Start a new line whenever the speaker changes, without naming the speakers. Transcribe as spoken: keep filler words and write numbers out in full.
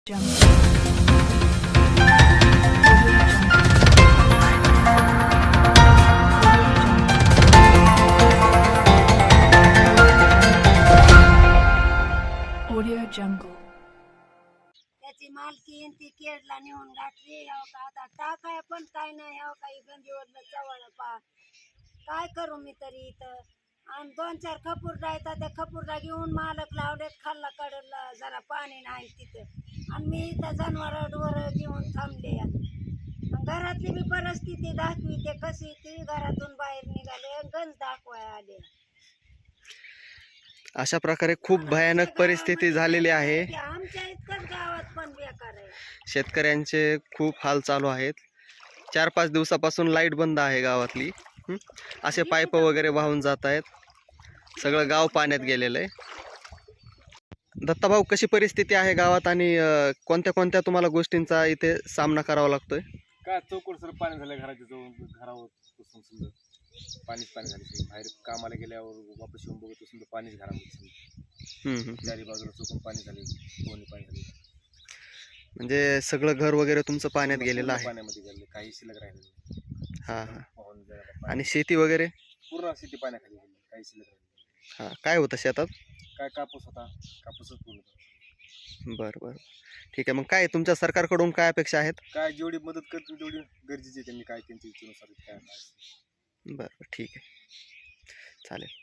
Audio Jungle.
त्याची मालकी ती केडला नेऊन घातली. हो का आता टाकाय पण काय नाही. हो काही गंजीवरलं चवळ पा काय करू मी तरी इथं. आणि दोन चार खपूरडा येतात त्या खपूरडा घेऊन मालक लावलेत खाल्ला कडला जरा पाणी नाही तिथं. आणि मी इथं जनावर डोर घेऊन थांबले. घरातली बी परिस्थिती दाखवी ते कशी ती घरातून बाहेर निघाले गंज दाखवाय आले.
अशा प्रकारे खूप भयानक परिस्थिती झालेली आहे.
आमच्या इतकंच गावात पण बेकार आहे.
शेतकऱ्यांचे खूप हाल चालू आहेत. चार पाच दिवसापासून लाईट बंद आहे गावातली. हं? असे पाईप वगैरे वाहून जात आहेत. सगळं गाव पाण्यात गेलेलं आहे. दत्ताभाऊ, कशी परिस्थिती आहे गावात आणि अं, कोणत्या कोणत्या तुम्हाला गोष्टींचा इथे सामना करावा लागतोय?
काय चौकड सर पाणी झालं घराच्या जवळ घरावर बसून समजा पाणीच पाणी झाले. बाहेर कामाला गेल्यावर वापस येऊन बघतो समजा पाणीच घरामध्ये समजा
हं, हं.
चारी बाजूला चुकून पाणी झाले, कोणी पाणी झाले.
म्हणजे सगळं घर वगैरे तुमचं पाण्यात गेलेलं आहे.
पाण्यामध्ये गेले, काही शिल्लक राहिले नाही.
हां हां.
वाहून गेला पाणी.
आणि शेती वगैरे?
पूर्ण शेती पाण्याखाली गेली, काही शिल्लक राहिले.
हां, काय होतं शेतात?
काय कापूस होता, कापूसच पूर्ण होता.
बरं बरं, ठीक आहे. मग काय तुमच्या सरकारकडून काय अपेक्षा आहेत?
काय जेवढी मदत करतील तेवढी गरजेची आहे. त्यांनी काय त्यांच्या इच्छेनुसार काय
बरं बरं, ठीक आहे, चालेल.